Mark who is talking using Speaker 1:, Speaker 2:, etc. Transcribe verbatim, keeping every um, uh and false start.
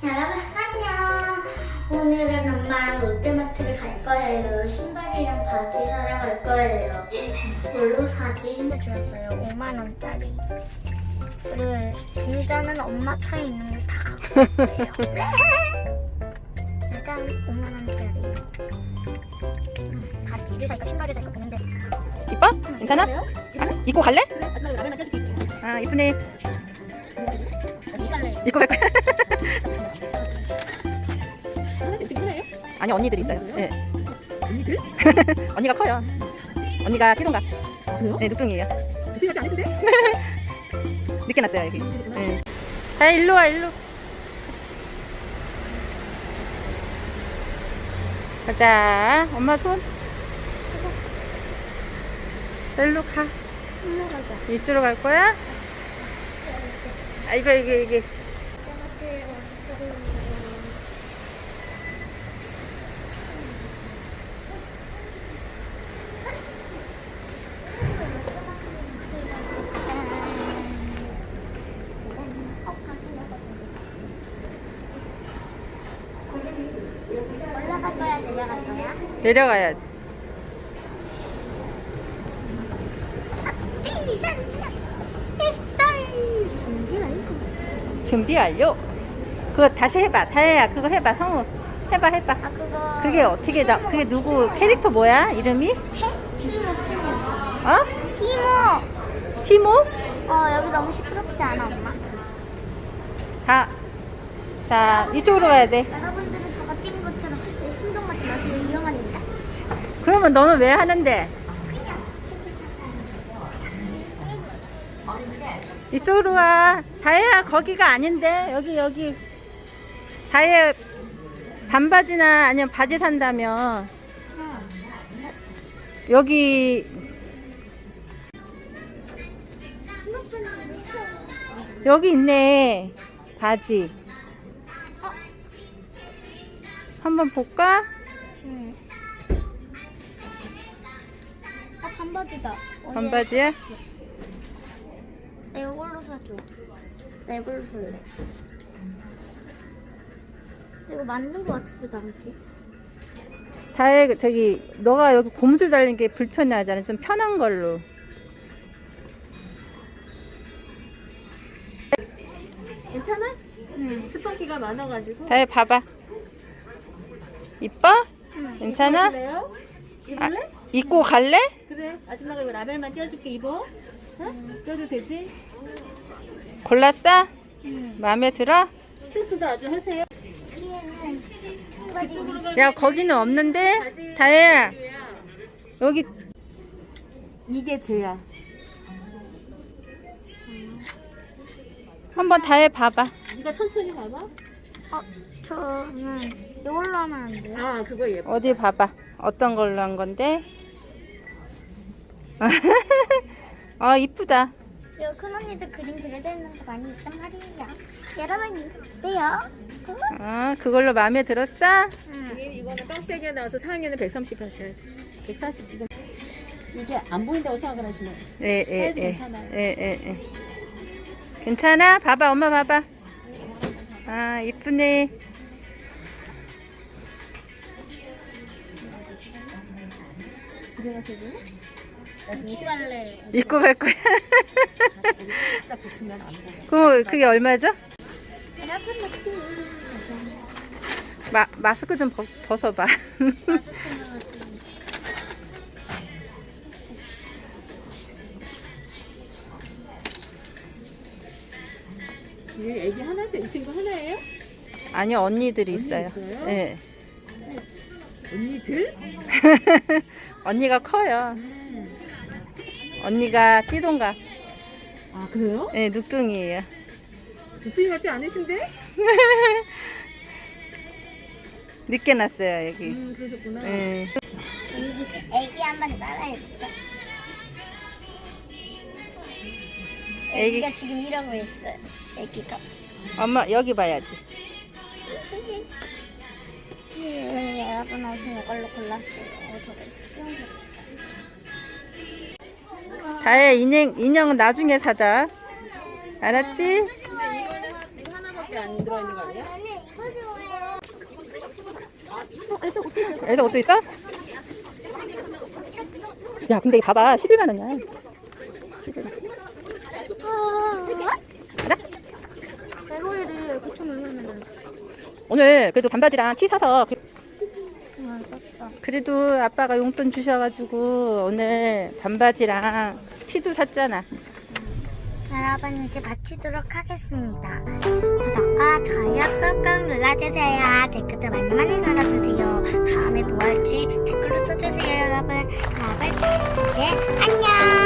Speaker 1: 여러분 안녕. 오늘은 엄마랑 롯데마트를 갈 거예요. 신발이랑 바지 사러 갈 거예요. 뭘로 사지? 주었어요. 오만 원짜리. 그리고 유자는 엄마 차에 있는 거 다 갖고 왔어요. 일단 오만 원짜리. 음, 바지를 살까 신발을 살까 고민돼.
Speaker 2: 이뻐? 괜찮아?
Speaker 1: 그래요?
Speaker 2: 아, 입고 갈래?
Speaker 1: 그래? 마지막에 라면만 떼줄게.
Speaker 2: 아 이쁘네.
Speaker 1: 어디 갈래?
Speaker 2: 입고 갈 거야?
Speaker 1: 지금 그래요?
Speaker 2: 아니 언니들이 있어요. 네.
Speaker 1: 언니들?
Speaker 2: 언니가 커요. 언니가 띠동가.
Speaker 1: 그래요?
Speaker 2: 네, 늑둥이에요.
Speaker 1: 어떻게 하지 않으신데?
Speaker 2: 늦게 났어요 여기. 네. 자 일로 와 일로. 가자. 엄마 손. 일로 가.
Speaker 1: 올라가자.
Speaker 2: 이쪽으로 갈 거야? 아 이거 이게 이게.
Speaker 1: 롯데마트에 왔어요. 올라갈 거야, 내려갈 거야?
Speaker 2: 내려가야지. 준비 완료. 그거 다시 해봐. 다혜야 그거 해봐. 성우 해봐 해봐.
Speaker 1: 아, 그거.
Speaker 2: 그게 어떻게 나 그게 누구 캐릭터 뭐야? 이름이?
Speaker 1: 태? 티모, 티모.
Speaker 2: 어?
Speaker 1: 티모!
Speaker 2: 티모?
Speaker 1: 어, 여기 너무 시끄럽지 않아, 엄마?
Speaker 2: 다. 자 이쪽으로 가야 돼.
Speaker 1: 여러분들은 저거 찍은 것처럼 행동하지 마세요. 위험합니다.
Speaker 2: 그러면 너는 왜 하는데? 이쪽으로 와. 다혜야 거기가 아닌데 여기 여기. 다혜 반바지나 아니면 바지 산다면 여기 여기 있네 바지. 한번 볼까?
Speaker 1: 응. 아, 반바지다.
Speaker 2: 반바지야?
Speaker 1: 나 이걸로 사줘. 나 이걸로 살래. 이거 맞는 거 같은데, 나한테?
Speaker 2: 다혜 저기 너가 여기 곰술 달린 게 불편하잖아. 좀 편한 걸로.
Speaker 3: 괜찮아? 응. 스펀기가 많아가지고.
Speaker 2: 다혜 봐봐. 이뻐?
Speaker 1: 응.
Speaker 2: 괜찮아?
Speaker 3: 입을래요?
Speaker 2: 아,
Speaker 3: 입을래?
Speaker 2: 입고 갈래?
Speaker 3: 그래. 아줌마가 이거 라벨만 떼어줄게. 입어. 응? 떼도 되지?
Speaker 2: 골랐어?
Speaker 1: 응.
Speaker 2: 마음에 들어?
Speaker 3: 스스도 아주 하세요.
Speaker 1: 뒤에는 청바지.
Speaker 2: 야 거기는 없는데? 다혜야 여기
Speaker 3: 이게 쟤야.
Speaker 2: 한번 다혜 봐봐.
Speaker 3: 네가 천천히 봐봐.
Speaker 1: 어, 저는 이걸로 하면 안 돼요?
Speaker 3: 아, 그거 예뻐.
Speaker 2: 어디 봐봐. 어떤 걸로 한 건데? 아 이쁘다.
Speaker 1: 여기 큰 언니들 그림 그려져 있는 거 많이 있단 말이에요. 여러분, 어때요?
Speaker 2: 아 그걸로 마음에 들었어?
Speaker 1: 응.
Speaker 3: 이게 이거는 깜짝이야 나와서 사 학년은 백삼십 하셔야 돼. 백사십 이거. 이게 안 보인다고 생각을 하시면.
Speaker 2: 예예
Speaker 3: 사이즈
Speaker 2: 예.
Speaker 3: 괜찮아요.
Speaker 2: 예, 예, 예. 괜찮아? 봐봐 엄마 봐봐. 아 이쁘네.
Speaker 3: 집에 가서 입을래?
Speaker 1: 입고 갈래.
Speaker 2: 입고 갈 거야.
Speaker 3: 딱 붙으면 안 보여.
Speaker 2: 그럼 그게 얼마죠?
Speaker 1: 여러분, 어때요?
Speaker 2: 마, 마스크 좀 벗, 벗어봐.
Speaker 3: 얘 애기 하나죠? 이 친구 하나예요?
Speaker 2: 아니요 언니들이
Speaker 3: 언니
Speaker 2: 있어요.
Speaker 3: 있어요?
Speaker 2: 예.
Speaker 3: 언니들?
Speaker 2: 언니가 커요.
Speaker 3: 음.
Speaker 2: 언니가 띠동갑.
Speaker 3: 아, 그래요?
Speaker 2: 예, 늑둥이에요.
Speaker 3: 느낌이 같지 않으신데?
Speaker 2: 늦게 났어요 여기.
Speaker 3: 음, 그러셨구나.
Speaker 2: 예.
Speaker 1: 애기, 애기 한번 따라해보자.
Speaker 2: 애기.
Speaker 1: 애기가 지금 이러고 있어요. 애기가.
Speaker 2: 엄마 여기 봐야지.
Speaker 1: 예, 여러분 옷은 이걸로 골랐어요. 어, 저거 수영복.
Speaker 2: 다혜 인형 인형은 나중에 사자. 알았지?
Speaker 3: 근데 이거는 이거 하나밖에 밖에 안 들어있는 거 아니야?
Speaker 1: 나는 이거 좋아해요.
Speaker 2: 엘사 옷도 있어? 야 근데 이거 봐봐 십일만 원이야. 가자.
Speaker 1: 에로이를 구천 원이면
Speaker 2: 오늘 그래도 반바지랑 티 사서 그-
Speaker 1: 알겠어.
Speaker 2: 그래도 아빠가 용돈 주셔가지고 오늘 반바지랑 티도 샀잖아.
Speaker 1: 여러분 이제 마치도록 하겠습니다. 구독과 좋아요 꾹꾹 눌러주세요. 댓글도 많이 많이 달아주세요. 다음에 뭐 할지 댓글로 써주세요 여러분. 여러분 이제 안녕.